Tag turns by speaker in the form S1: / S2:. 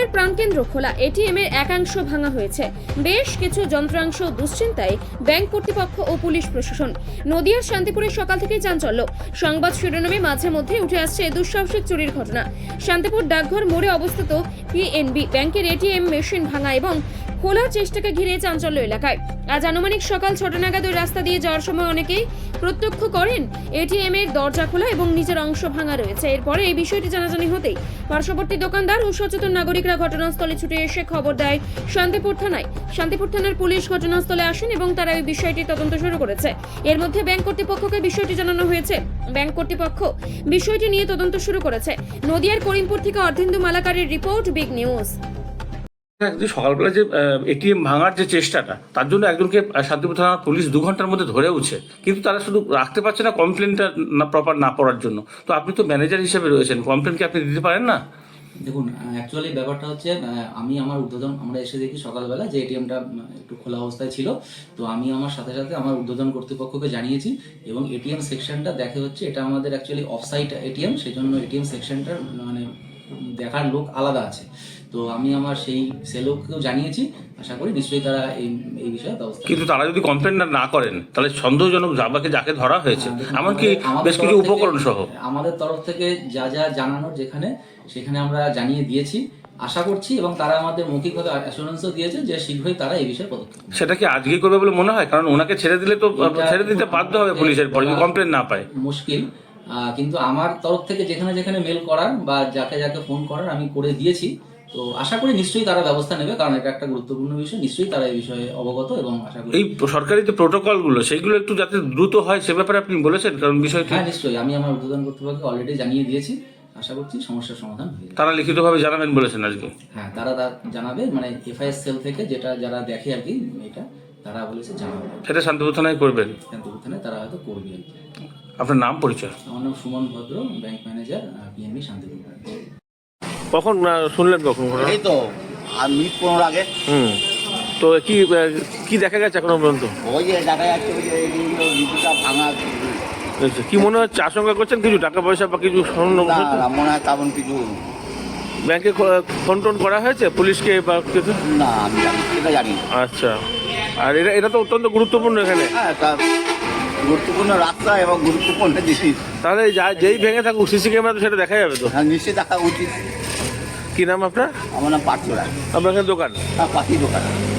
S1: ATM এর প্রাণকেন্দ্র খোলা, এটিএম এর একাংশ ভাঙা হয়েছে, বেশ কিছু যন্ত্রাংশ দুশ্চিন্তায় ব্যাংক কর্তৃপক্ষ ও পুলিশ প্রশাসন। নদিয়ার শান্তিপুরের সকাল থেকেই চাঞ্চল্য। সংবাদ শিরোনামে মাঝে মধ্যে উঠে আসছে দুঃসাহসিক চুরির ঘটনা। শান্তিপুর ডাকঘর মোড়ে অবস্থিত পিএনবি ব্যাংকের এটিএম মেশিন ভাঙা এবং খোলার চেষ্টাকে ঘিরে চাঞ্চল্য এলাকায়। আজ আনুমানিক সকাল 6টা নাগাদ ওই রাস্তা দিয়ে যাওয়ার সময় অনেকেই প্রত্যক্ষ করেন এটিএম এর দরজা খোলা এবং নিচের অংশ ভাঙা রয়েছে। এরপরে এই বিষয়টি জানাজানি হতেই পার্শ্ববর্তী দোকানদার ও সচেতন নাগরিকরা ঘটনাস্থলে ছুটে এসে খবর দেয় শান্তিপুর থানায়। শান্তিপুর থানার পুলিশ ঘটনাস্থলে আসেন এবং তারা এই বিষয়টি তদন্ত শুরু করেছে। এর মধ্যে ব্যাংক কর্তৃপক্ষকে বিষয়টি জানানো হয়েছে। ব্যাংক কর্তৃপক্ষ বিষয়টি নিয়ে তদন্ত শুরু করেছে। নদিয়ার করিমপুর থেকে অর্ধেন্দু মালাকারের রিপোর্ট, বিগ নিউজ।
S2: সকালবেলা যে এটিএম ভাঙার যে চেষ্টাটা, তার জন্য একজনকে শান্তিপুর থানার পুলিশ 2 ঘন্টার মধ্যে ধরেওছে, কিন্তু তারা শুধু রাখতে পারছে না কমপ্লেনটা না প্রপার না পড়ার জন্য। তো আপনি তো ম্যানেজার হিসেবে রয়েছেন, কমপ্লেন কি আপনি দিতে পারেন না?
S3: দেখুন, অ্যাকচুয়ালি ব্যাপারটা হচ্ছে আমি আমার উদ্বোধন আমরা এসে দেখি সকালবেলা যে এটিএমটা একটু খোলা অবস্থায় ছিল। তো আমি আমার সাথে সাথে আমার উদ্বোধন কর্তৃপক্ষকে জানিয়েছি এবং এটিএম সেকশনটা দেখে হচ্ছে এটা আমাদের অ্যাকচুয়ালি অফসাইট এটিএম, সেই জন্য এটিএম সেকশনটার মানে দেখার লোক আলাদা আছে। তো আমি আমার সেই সেলোককেও জানিয়েছি, আশা করি নিশ্চয়ই তারা এই বিষয়ে ব্যবস্থা।
S2: কিন্তু তারা যদি কমপ্লেন না করেন তাহলে সন্দেহজনক যাকে ধরা হয়েছে, এমনকি বেশ কিছু উপকরণ সহ
S3: আমাদের তরফ থেকে যা যা জানানোর সেখানে আমরা জানিয়ে দিয়েছি, আশা করছি, এবং তারা আমাদের মৌখিকভাবে অ্যাসুরেন্সও দিয়েছে যে শীঘ্রই তারা এই বিষয়ে পদক্ষেপ।
S2: সেটা কি আজকেই করবে বলে মনে হয়? কারণ ওনাকে ছেড়ে দিলে তো ছেড়ে দিতে বাধ্য হবে পুলিশের পরে যদি কমপ্লেন না পায়।
S3: মুশকিল, কিন্তু আমার তরফ থেকে যেখানে যেখানে মেল করার বা যাকে যাকে ফোন করার আমি করে দিয়েছি। তো আশা করি নিশ্চয়ই তারা ব্যবস্থা নেবে, কারণ এটা একটা গুরুত্বপূর্ণ বিষয়। নিশ্চয়ই তারা এই বিষয়ে অবগত, এবং আশা করি
S2: এই সরকারি যে প্রোটোকলগুলো সেইগুলো একটু যাতে দ্রুত হয় সে ব্যাপারে আপনি বলেছেন, কারণ বিষয়টি।
S3: হ্যাঁ, নিশ্চয়ই আমি আমার উদ্বোধন কর্তৃপক্ষকে অলরেডি জানিয়ে দিয়েছি, আশা করছি সমস্যার সমাধান হয়ে যাবে।
S2: তারা লিখিতভাবে জানাবেন বলেছেন আজকে?
S3: হ্যাঁ, তারা জানাবে, মানে এফআইএস সেল থেকে যারা দেখে আর কি, এটা তারা বলেছে জানাবে।
S2: সেটা শান্তিপুর থানায় করবেন?
S3: শান্তিপুর থানায় তারা হয়তো করবে আর কি।
S2: আপনার নাম পরিচয়?
S3: আমার নাম সুমন ভদ্র, ব্যাংক ম্যানেজার, পিএনবি শান্তিপুর।
S2: কখন শুনলেন? কখন?
S4: এই তো মিনিট 15 আগে।
S2: তো কি দেখা গেছে এখনো পর্যন্ত?
S4: ওই যে দেখা যাচ্ছে ওই যে এইগুলো ঋতুটা ভাঙা।
S2: কি মনে হচ্ছে? আশঙ্কা করছেন কিছু টাকা পয়সা বা কিছু স্বর্ণ?
S4: না, মনে হয় তেমন কিছু।
S2: ব্যাংকে ফোন টোন করা হয়েছে পুলিশকে বা কিছু?
S4: না, আমি সেটা জানি।
S2: আচ্ছা, আর এটা তো অত্যন্ত গুরুত্বপূর্ণ এখানে।
S4: হ্যাঁ, গুরুত্বপূর্ণ রাস্তা এবং গুরুত্বপূর্ণ জিনিস।
S2: তাহলে যেই ভেঙে থাকুক সিসি ক্যামেরা তো সেটা দেখা যাবে তো?
S4: হ্যাঁ, নিশ্চয়ই দেখা উচিত।
S2: কি নাম আপনার?
S4: আমার নাম পার্থ রায়।
S2: আপনার এখানে দোকান?
S4: হ্যাঁ, পাখি দোকান।